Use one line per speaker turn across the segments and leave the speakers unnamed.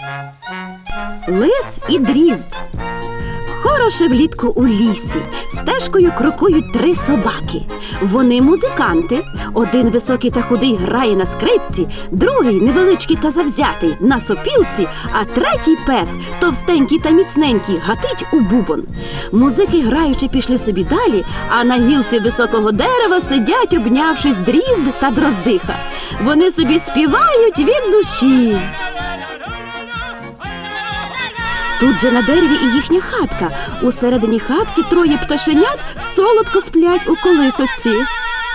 Лис і дрізд. Хороше влітку у лісі. Стежкою крокують 3 собаки. Вони музиканти. Один високий та худий грає на скрипці, другий невеличкий та завзятий на сопілці, а третій пес, товстенький та міцненький, гатить у бубон. Музики граючи пішли собі далі, а на гілці високого дерева сидять, обнявшись, дрізд та дроздиха. Вони собі співають від душі. Тут же на дереві і їхня хатка. Усередині хатки 3 пташенят солодко сплять у колисоці.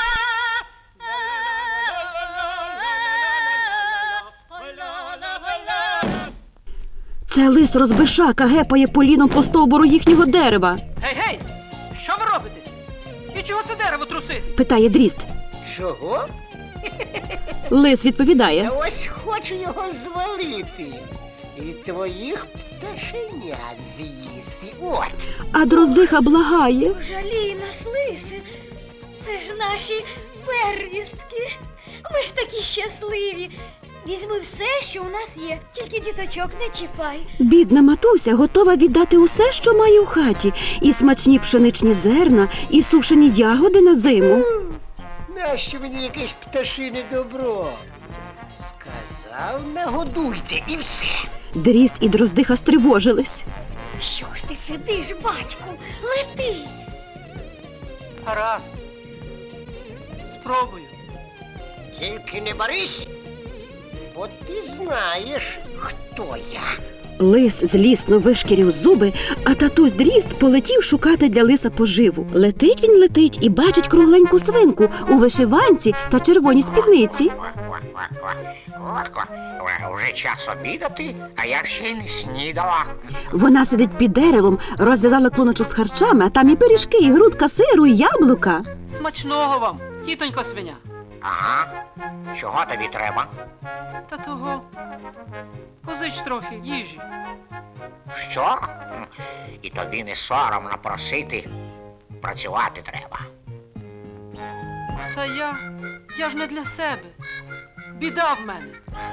Це лис розбишака гепає поліном по стовбуру їхнього дерева.
Гей! Що ви робите? І чого це дерево трусити?
Питає дрізд.
Чого?
Лис відповідає.
Та ось хочу його звалити. І твоїх пташенят з'їсти. От.
А дроздиха благає.
Жалій нас, лисе. Це ж наші первістки. Ми ж такі щасливі. Візьми все, що у нас є, тільки діточок не чіпай.
Бідна матуся готова віддати усе, що має у хаті. І смачні пшеничні зерна, і сушені ягоди на зиму.
Нащо мені якесь пташине добро? Сказав, нагодуйте і все.
Дрізд і дроздиха стривожились.
Що ж ти сидиш, батьку? Лети!
Гаразд. Спробую.
Тільки не борись, бо ти знаєш, хто я.
Лис злісно вишкірів зуби, а татусь Дрізд полетів шукати для лиса поживу. Летить він летить і бачить кругленьку свинку у вишиванці та червоній спідниці.
Вже час обідати, а я ще й не снідала.
Вона сидить під деревом, розв'язала клуночок з харчами, а там і пиріжки, і грудка сиру, і яблука.
Смачного вам, тітонько свиня.
Ага. Чого тобі треба?
Та того. Позич трохи їжі.
Що? І тобі не соромно просити. Працювати треба.
Та я ж не для себе. Біда в мене.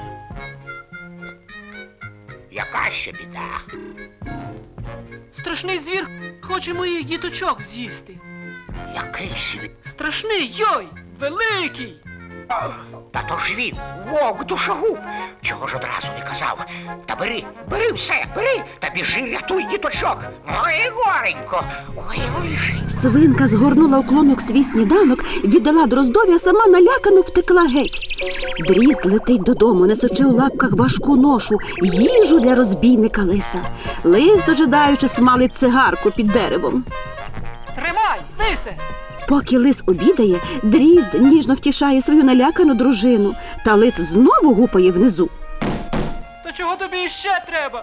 Яка ще біда?
Страшний звір хоче моїх діточок з'їсти.
Який світ?
Страшний, йой! Великий!
Та то ж він, вовк душогуб. Чого ж одразу не казав? Та бери все, бери, та біжи, рятуй діточок. Ой, горенько, ой, лежи.
Свинка згорнула у клунок свій сніданок, віддала дроздові, а сама налякано втекла геть. Дрізд летить додому, несучи у лапках важку ношу, їжу для розбійника лиса. Лис, дожидаючи, смалить цигарку під деревом.
Тримай, лисе!
Поки лис обідає, Дрізд ніжно втішає свою налякану дружину, та лис знову гупає внизу.
То чого тобі іще треба?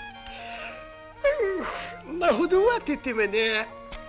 Нагодувати ти мене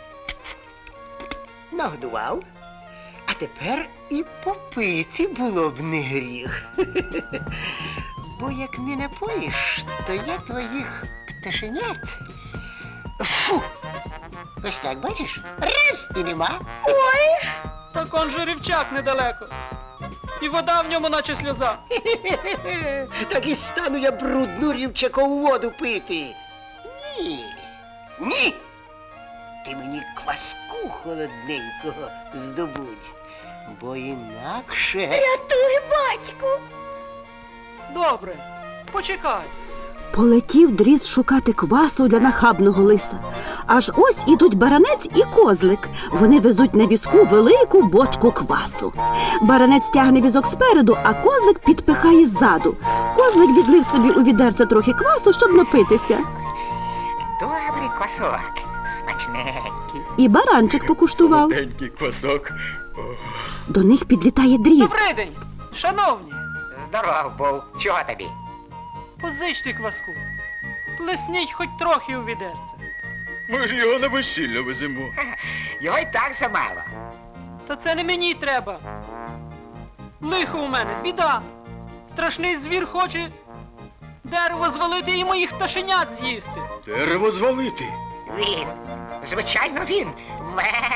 нагодував, а тепер і попити було б не гріх. Бо як не напоїш, то я твоїх пташенят. Фу! Ось так, бачиш? Раз і нема. Ой!
Так он же рівчак недалеко. І вода в ньому наче сльоза.
Так і стану я брудну рівчакову воду пити. Ні. Ні. Ти мені кваску холодненького здобудь, бо інакше...
Рятуй, батьку!
Добре, почекай.
Полетів Дрізд шукати квасу для нахабного лиса. Аж ось ідуть баранець і козлик. Вони везуть на візку велику бочку квасу. Баранець тягне візок спереду, а козлик підпихає ззаду. Козлик відлив собі у відерце трохи квасу, щоб напитися.
Добрий квасок, смачненький.
І баранчик покуштував.
Солоденький квасок.
До них підлітає Дрізд.
Добрий день, шановні.
Здоров був. Чого тобі?
Позичте кваску. Плесніть хоч трохи у відерце.
Ми ж його на весілля веземо.
Його й так замало.
Та це не мені треба. Лихо у мене, біда. Страшний звір хоче дерево звалити і моїх пташенят з'їсти.
Дерево звалити.
Він, звичайно він,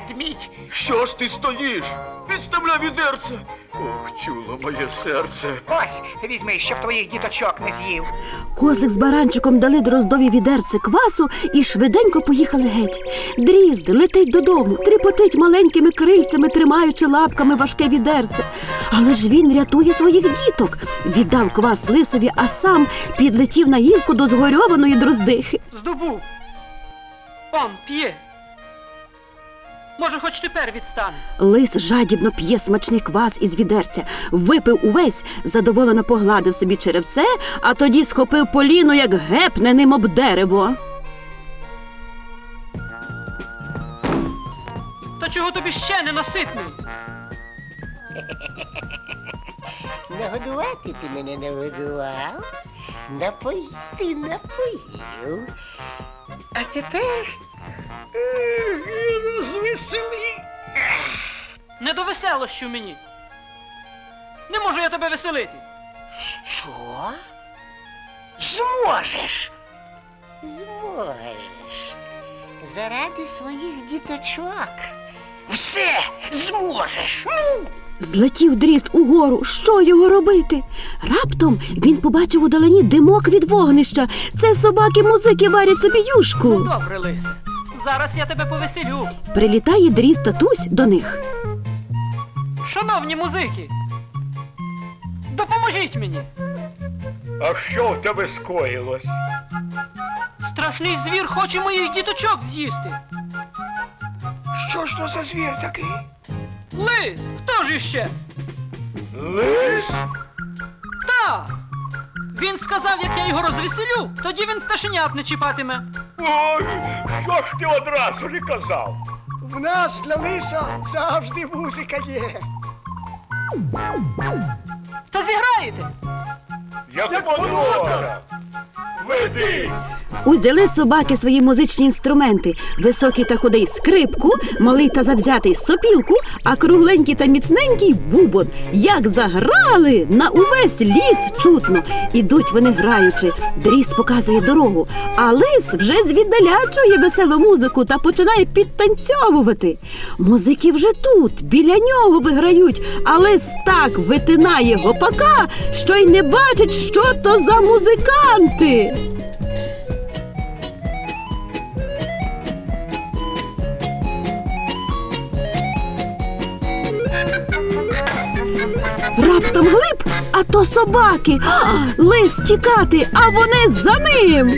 ведмідь.
Що ж ти стоїш? Відставляй відерце. Ох, чуло моє серце.
Ось, візьми, щоб твоїх діточок не з'їв.
Козлик з баранчиком дали Дроздові відерце квасу і швиденько поїхали геть. Дрізд летить додому, тріпотить маленькими крильцями, тримаючи лапками важке відерце. Але ж він рятує своїх діток. Віддав квас лисові, а сам підлетів на гілку до згорьованої дроздихи.
Здобув. Он п'є. Може, хоч тепер відстане.
Лис жадібно п'є смачний квас із відерця, випив увесь, задоволено погладив собі черевце, а тоді схопив поліно, як гепне ним об дерево.
Та чого тобі ще ненаситний?
Нагодувати ти мене нагодував, напоїти напоїв. А тепер розвесели.
Не до веселощів мені. Не можу я тебе веселити.
Що? Зможеш.
Зможеш. Заради своїх діточок.
Все зможеш. Ну!
Злетів дрізд угору. Що його робити? Раптом він побачив удалині димок від вогнища. Це собаки-музики варять собі юшку.
Ну, добре, лисе. Зараз я тебе повеселю.
Прилітає дрізд татусь до них.
Шановні музики, допоможіть мені.
А що в тебе скоїлось?
Страшний звір хоче моїх діточок з'їсти.
Що ж то за звір такий?
Лис, хто ж іще?
Лис?
Так. Він сказав, як я його розвеселю, тоді він пташенят не чіпатиме.
Ой, що ж ти одразу не казав?
В нас для лиса завжди музика є.
Та зіграєте?
Як подобає. Веди.
Узяли собаки свої музичні інструменти. Високий та худий скрипку, малий та завзятий сопілку, а кругленький та міцненький бубон. Як заграли, на увесь ліс чутно. Ідуть вони граючи. Дрізд показує дорогу, а лис вже звіддаля чує веселу музику та починає підтанцьовувати. Музики вже тут, біля нього виграють, а лис так витинає гопака, що й не бачить, що то за музиканти. Раптом глиб, а то собаки. Лис тікати, а вони за ним.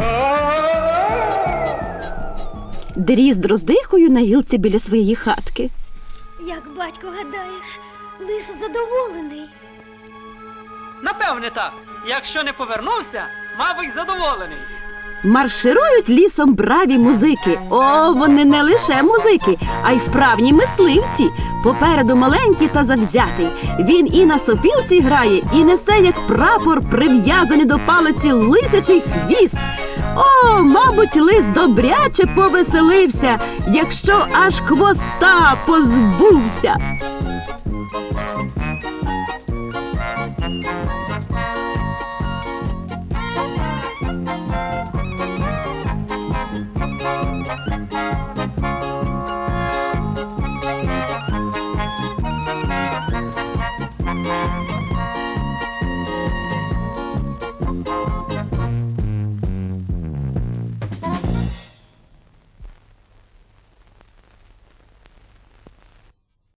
Дрізд роздихою на гілці біля своєї хатки.
Як батько гадаєш, лис задоволений.
Напевне так. Якщо не повернувся, мабуть, задоволений.
Марширують лісом браві музики. О, вони не лише музики, а й вправні мисливці. Попереду маленький та завзятий. Він і на сопілці грає, і несе, як прапор, прив'язаний до палиці лисячий хвіст. О, мабуть, лис добряче повеселився, якщо аж хвоста позбувся.